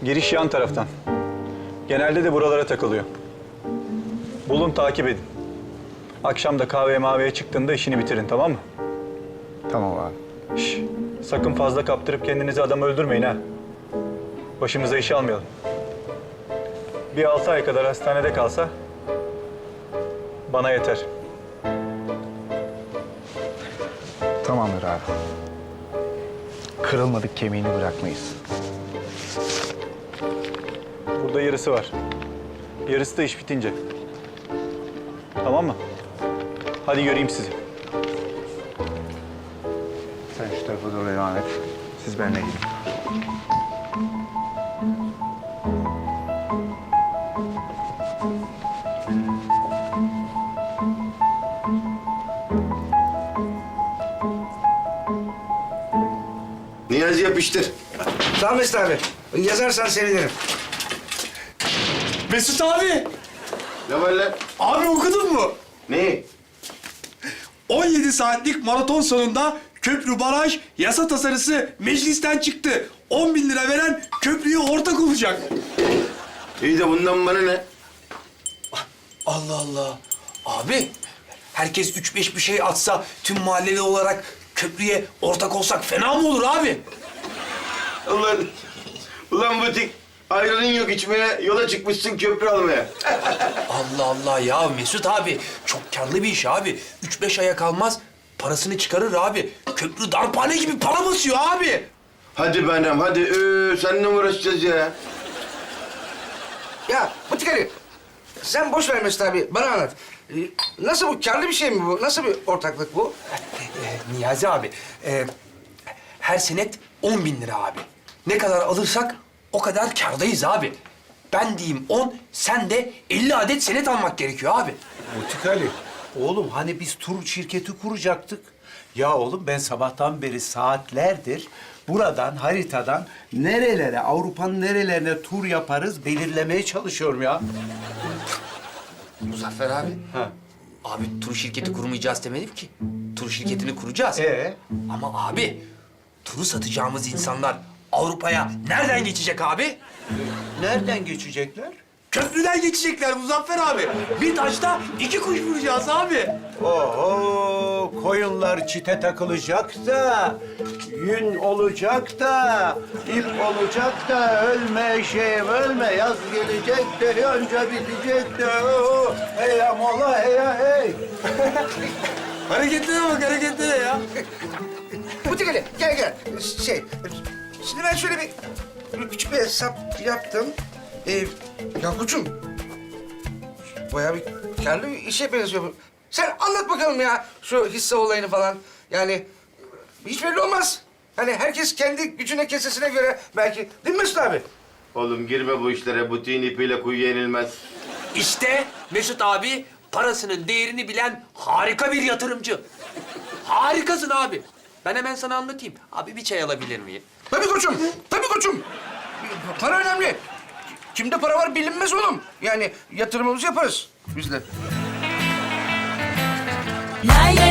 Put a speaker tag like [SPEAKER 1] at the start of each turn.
[SPEAKER 1] Giriş yan taraftan. Genelde de buralara takılıyor. Bulun, takip edin. Akşam da kahveye maveye çıktığında işini bitirin, tamam mı?
[SPEAKER 2] Tamam abi.
[SPEAKER 1] Şş, sakın fazla kaptırıp kendinizi adam öldürmeyin ha. Başımıza iş almayalım. Bir 6 ay kadar hastanede kalsa bana yeter.
[SPEAKER 2] Tamamdır abi. Kırılmadık kemiğini bırakmayız.
[SPEAKER 1] Burada yarısı var. Yarısı da iş bitince. Tamam mı? Hadi göreyim sizi.
[SPEAKER 2] Sen şu tarafa doğru devam et. Siz benimle gidin.
[SPEAKER 3] Niyazi yapıştır.
[SPEAKER 4] Sağ ol Mesut abi. Yazarsan sevinirim.
[SPEAKER 5] Mesut abi!
[SPEAKER 3] Ne var lan?
[SPEAKER 5] Abi okudun mu?
[SPEAKER 3] Ne?
[SPEAKER 5] 17 saatlik maraton sonunda köprü baraj yasa tasarısı meclisten çıktı. 10 bin lira veren köprüye ortak olacak.
[SPEAKER 3] İyi de bundan bana ne?
[SPEAKER 6] Allah Allah. Abi, herkes 3-5 bir şey atsa tüm mahalleli olarak köprüye ortak olsak fena mı olur abi?
[SPEAKER 3] Ulan butik. Ayranın yok içmeye, yola çıkmışsın köprü almaya.
[SPEAKER 6] Allah Allah ya Mesut abi. Çok karlı bir iş abi. 3-5 aya kalmaz parasını çıkarır abi. Köprü darphane gibi para basıyor abi.
[SPEAKER 3] Hadi benim, hadi. Seninle mi uğraşacağız ya?
[SPEAKER 4] Ya Butik Ali, sen boş ver Mesut abi, bana anlat. Nasıl bu, karlı bir şey mi bu? Nasıl bir ortaklık bu?
[SPEAKER 6] Niyazi abi, her senet 10 bin lira abi. Ne kadar alırsak o kadar kârdayız abi. Ben diyeyim 10, sen de 50 adet senet almak gerekiyor abi.
[SPEAKER 7] Butik Ali, oğlum hani biz tur şirketi kuracaktık. Ya oğlum ben sabahtan beri saatlerdir buradan, haritadan nerelere, Avrupa'nın nerelerine tur yaparız belirlemeye çalışıyorum ya.
[SPEAKER 6] Muzaffer abi.
[SPEAKER 7] Ha.
[SPEAKER 6] Abi tur şirketi kurmayacağız demedim ki. Tur şirketini kuracağız. Ama abi turu satacağımız insanlar Avrupa'ya nereden geçecek abi?
[SPEAKER 7] Nereden geçecekler?
[SPEAKER 6] Köprüden geçecekler Muzaffer abi. Bir taşta 2 kuş vuracağız abi.
[SPEAKER 7] Oho, koyunlar çite takılacak da, yün olacak da, ip olacak da, ölme şeyim ölme, yaz gelecek de, yonca bitecek de, hey amola hey ya hey.
[SPEAKER 6] Hareketlere bak hareketlere ya.
[SPEAKER 4] Butik Ali, gel. Şimdi ben şöyle bir küçük bir hesap yaptım. Ya koçum, bayağı bir karlı bir işe benziyor bu. Sen anlat bakalım ya şu hisse olayını falan. Yani hiç belli olmaz. Hani herkes kendi gücüne, kesesine göre belki. Değil mi Mesut abi?
[SPEAKER 3] Oğlum girme bu işlere. Butiğin ipiyle kuyuya inilmez.
[SPEAKER 6] İşte Mesut abi parasının değerini bilen harika bir yatırımcı. Harikasın abi. Ben hemen sana anlatayım. Abi bir çay alabilir miyim?
[SPEAKER 4] Tabii koçum. Para önemli. Kimde para var bilinmez oğlum. Yani yatırımımızı yaparız biz de.
[SPEAKER 8] Lay lay